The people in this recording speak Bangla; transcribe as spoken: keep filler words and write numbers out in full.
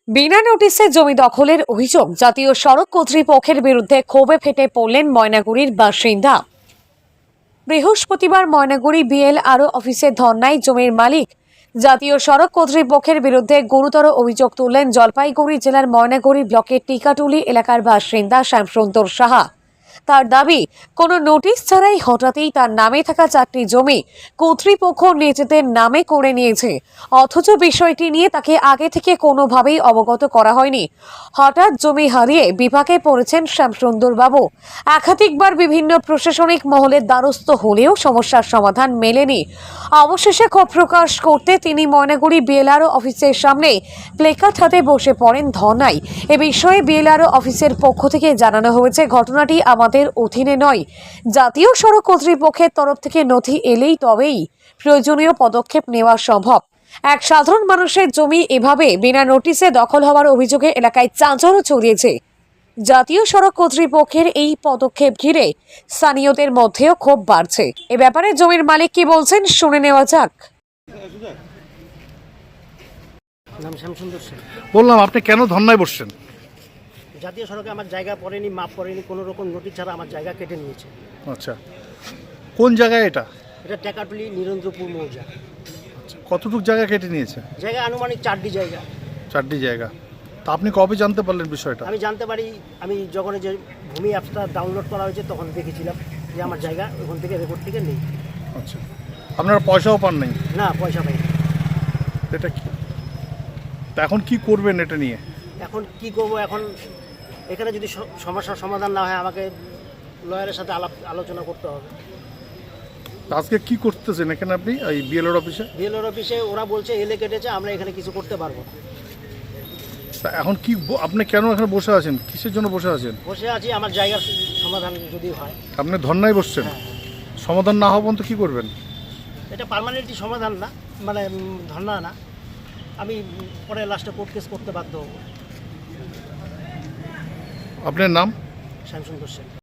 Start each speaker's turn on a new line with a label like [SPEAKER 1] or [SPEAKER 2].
[SPEAKER 1] বিনা নোটিশে জমি দখলের অভিযোগ জাতীয় সড়ক কর্তৃপক্ষের বিরুদ্ধে ক্ষোভে ফেটে পড়লেন ময়নাগুড়ির বাসিন্দা। বৃহস্পতিবার ময়নাগুড়ি বিএলআরও অফিসে ধর্নায় জমির মালিক জাতীয় সড়ক কর্তৃপক্ষের বিরুদ্ধে গুরুতর অভিযোগ তুললেন জলপাইগুড়ি জেলার ময়নাগুড়ি ব্লকের টিকাটুলি এলাকার বাসিন্দা শ্যামসুন্দর সাহা। তার দাবি, কোনো নোটিশ ছাড়াই হঠাৎই তার নামে থাকা চারটি জমি কর্তৃপক্ষ নিজেদের নামে করে নিয়েছে, অথচ বিষয়টি নিয়ে তাকে আগে থেকে কোনোভাবেই অবগত করা হয়নি। হঠাৎ জমি হারিয়ে বিপাকে পড়েছেন শ্যামসুন্দর বাবু। একাধিকবার বিভিন্ন প্রশাসনিক মহলের দ্বারস্থ হলেও সমস্যার সমাধান মেলেনি। অবশেষে ক্ষোভ প্রকাশ করতে তিনি ময়নাগুড়ি বিএলআরও অফিসের সামনে প্লেকার্ড হাতে বসে পড়েন ধর্নায়। এ বিষয়ে বিএলআরও অফিসের পক্ষ থেকে জানানো হয়েছে, ঘটনাটি আমাদের অধীনে নয়, জাতীয় সড়ক কর্তৃপক্ষের তরফ থেকে নথি এলেই তবেই প্রয়োজনীয় পদক্ষেপ নেওয়া সম্ভব। এক সাধারণ মানুষের জমি এভাবে বিনা নোটিশে দখল হওয়ার অভিযোগে এলাকায় চাঞ্চল্য ছড়িয়েছে। জাতীয় সড়ক কর্তৃপক্ষের এই পদক্ষেপ ঘিরে স্থানীয়দের মধ্যেও ক্ষোভ বাড়ছে। এ ব্যাপারে জমির মালিক কি বলছেন শুনে নেওয়া যাক।
[SPEAKER 2] নাম শ্যামসুন্দর সেন।
[SPEAKER 3] বললাম, আপনি কেন ধর্নায় বসছেন?
[SPEAKER 2] জাতীয় সড়কে আমার জায়গা পড়েনি, মাপ পড়েনি, কোনো রকম নোটিশ ছাড়া আমার জায়গা কেটে নিয়েছে।
[SPEAKER 3] আচ্ছা, কোন জায়গায় এটা?
[SPEAKER 2] এটা টেকাটুলি নিরঞ্জপুর মৌজা।
[SPEAKER 3] আচ্ছা, কতটুকু জায়গা কেটে নিয়েছে?
[SPEAKER 2] জায়গা আনুমানিক চারটি জায়গা।
[SPEAKER 3] চারটি জায়গা। তা আপনি কবে জানতে পারলেন বিষয়টা?
[SPEAKER 2] আমি জানতে পারি, আমি যখন এই যে ভূমি অ্যাপসটা ডাউনলোড করা হয়েছে তখন দেখেছিলাম যে আমার জায়গা ওখান থেকে রেকর্ড থেকে নেই।
[SPEAKER 3] আচ্ছা, আপনারা পয়সাও পান নাই?
[SPEAKER 2] না, পয়সা পাই না।
[SPEAKER 3] এটা কি, তা এখন কি করবেন এটা নিয়ে?
[SPEAKER 2] এখন কি করব? এখন এখানে যদি স- সমস্যার সমাধান না হয় আমাকে লয়ারের সাথে আলাপ আলোচনা করতে হবে।
[SPEAKER 3] তা আজকে কি করতেছেন এখানে আপনি এই বিএলআর অফিসে?
[SPEAKER 2] বিএলওর অফিসে ওরা বলছে এলে কেটেছে, আমরা এখানে কিছু করতে পারবো না।
[SPEAKER 3] তা এখন কি ব- আপনি কেন এখানে বসে আছেন? কিসের জন্য বসে আছেন?
[SPEAKER 2] বসে আছি আমার জায়গার সমাধান যদি হয়।
[SPEAKER 3] আপনি ধর্নায় বসছেন,
[SPEAKER 2] হ্যাঁ,
[SPEAKER 3] সমাধান না হওয়া পর্যন্ত কি করবেন?
[SPEAKER 2] এটা পার্মানেন্টলি সমাধান না, মানে উম, ধর্ণা না। আমি উম, পরে লাস্টে কোর্ট কেস করতে বাধ্য হব।
[SPEAKER 3] আপনার নাম?
[SPEAKER 2] শ্যামসুন্দর সেন।